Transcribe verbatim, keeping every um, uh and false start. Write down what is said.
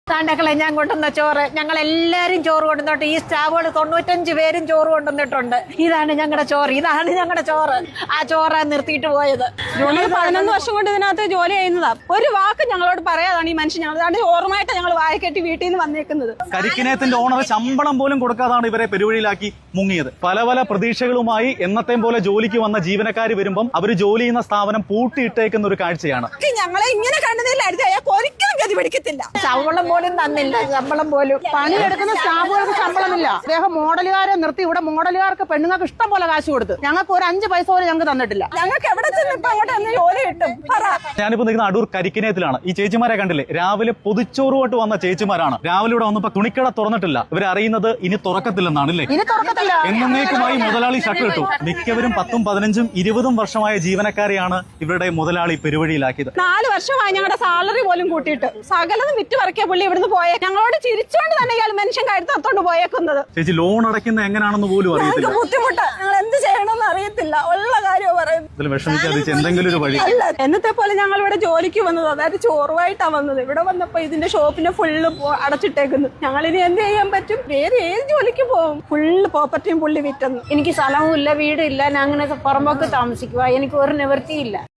താണ്ടക്കളെ ഞാൻ കൊണ്ടുവന്ന ചോറ്, ഞങ്ങൾ എല്ലാരും ചോറ് കൊണ്ടുവന്നിട്ട് ഈ സ്റ്റാഫുകൾ തൊണ്ണൂറ്റഞ്ച് പേരും ചോറ് കൊണ്ടുവന്നിട്ടുണ്ട്. ഇതാണ് ഞങ്ങളുടെ ചോറ്, ഇതാണ് ഞങ്ങളുടെ ചോറ്. ആ ചോറ് നിർത്തിയിട്ട് പോയത്. ജോലി പതിനൊന്ന് വർഷം കൊണ്ട് ഇതിനകത്ത് ജോലി ചെയ്യുന്നതാ. ഒരു വാക്ക് ഞങ്ങളോട് പറയാതാണ് ഈ മനുഷ്യൻ. ഞങ്ങൾ ഓർമ്മയായിട്ട് ഞങ്ങൾ വായക്കെട്ടി വീട്ടിൽ നിന്ന് വന്നേക്കുന്നത്. കരിക്കിനേത്തിന്റെ ഓണർ ശമ്പളം പോലും കൊടുക്കാതാണ് ഇവരെ പെരുവഴിയിലാക്കി മുങ്ങിയത്. പല പല പ്രതീക്ഷകളുമായി എന്നത്തെയും പോലെ ജോലിക്ക് വന്ന ജീവനക്കാർ വരുമ്പം അവർ ജോലി ചെയ്യുന്ന സ്ഥാപനം പൂട്ടിയിട്ടേക്കുന്ന ഒരു കാഴ്ചയാണ്. ഞങ്ങളെ ഇങ്ങനെ കണ്ടതില്ലായിരുന്നു അയാൾക്ക് ഒരിക്കലും ഗതി പിടിക്കത്തില്ല. ശമ്പളം പോലും തന്നില്ല, ശമ്പളം പോലും. പണിയെടുക്കുന്ന സ്റ്റാഫുകൾക്ക് ശമ്പളമില്ല. അദ്ദേഹം മോഡലുകാരെ നിർത്തി ഇവിടെ മോഡലുകാർക്ക് പെണ്ണുങ്ങൾക്ക് ഇഷ്ടം പോലെ കാശ് കൊടുത്തു. ഞങ്ങൾക്ക് ഒരു അഞ്ച് പൈസ പോലും ഞങ്ങൾക്ക് തന്നിട്ടില്ല. ഞങ്ങൾക്ക് എവിടെ ചെന്ന് ഇപ്പൊ അങ്ങോട്ട് എന്ന് ജോലി കിട്ടും? ഞാനിപ്പോ നിൽക്കുന്ന അടൂർ കരിക്കിനേത്തിലാണ്. ഈ ചേച്ചിമാരെ കണ്ടില്ലേ, രാവിലെ പൊതിച്ചോറുമായിട്ട് വന്ന ചേച്ചിമാരാണ്. രാവിലെ ഇവിടെ വന്നപ്പോ തുണിക്കട തുറന്നിട്ടില്ല. ഇവരറിയുന്നത് ഇനി തുറക്കത്തില്ലെന്നാണ് അല്ലേ? ഇനി തുറക്കത്തില്ല. എന്നേക്കുമായി മുതലാളി ഷട്ട് ഇട്ടു. മിക്കവരും പത്തും പതിനഞ്ചും ഇരുപതും വർഷമായ ജീവനക്കാരെയാണ് ഇവരുടെ മുതലാളി പെരുവഴിയിലാക്കിയത്. നാല് വർഷമായി ഞങ്ങളുടെ സാലറി പോലും കൂട്ടിയിട്ട് സകലതും വിറ്റ് പറക്കിയ പുള്ളി ഇവിടുന്ന് പോയ ഞങ്ങളോട് ചിരിച്ചോണ്ട് തന്നെ ഇയാൾ മനുഷ്യൻ കഴുത്തത്തോണ്ട് പോയേക്കുന്നത്. ചേച്ചി ലോൺ അടയ്ക്കുന്ന എങ്ങനെയാണെന്ന് പോലും അറിയത്തില്ല. ബുദ്ധിമുട്ടാ, ഞങ്ങൾ എന്ത് ചെയ്യണമെന്ന് അറിയത്തില്ല. ഉള്ള കാര്യം പറയുന്നത്. ഇതിൽ വിഷമിക്കാതെ എന്തെങ്കിലും ഒരു വഴി. എന്നത്തെ പോലെ ഞങ്ങൾ ഇവിടെ ജോലിക്ക് വന്നത്, അതായത് ചോറുമായിട്ടാ വന്നത്. ഇവിടെ വന്നപ്പോ ഇതിന്റെ ഷോപ്പിനെ ഫുള്ള് അടച്ചിട്ടേക്കുന്നു. ഞങ്ങൾ ഇനി എന്ത് ചെയ്യാൻ പറ്റും? വേറെ ഏത് ജോലിക്ക് പോകും? ഫുള്ള് പ്രോപ്പർട്ടിയും പുള്ളി വിറ്റെന്ന്. എനിക്ക് സ്ഥലവും ഇല്ല, വീടില്ല. ഞാൻ അങ്ങനെ പുറമ്പോക്ക് താമസിക്കുക. എനിക്ക് ഒരു നിവൃത്തിയില്ല.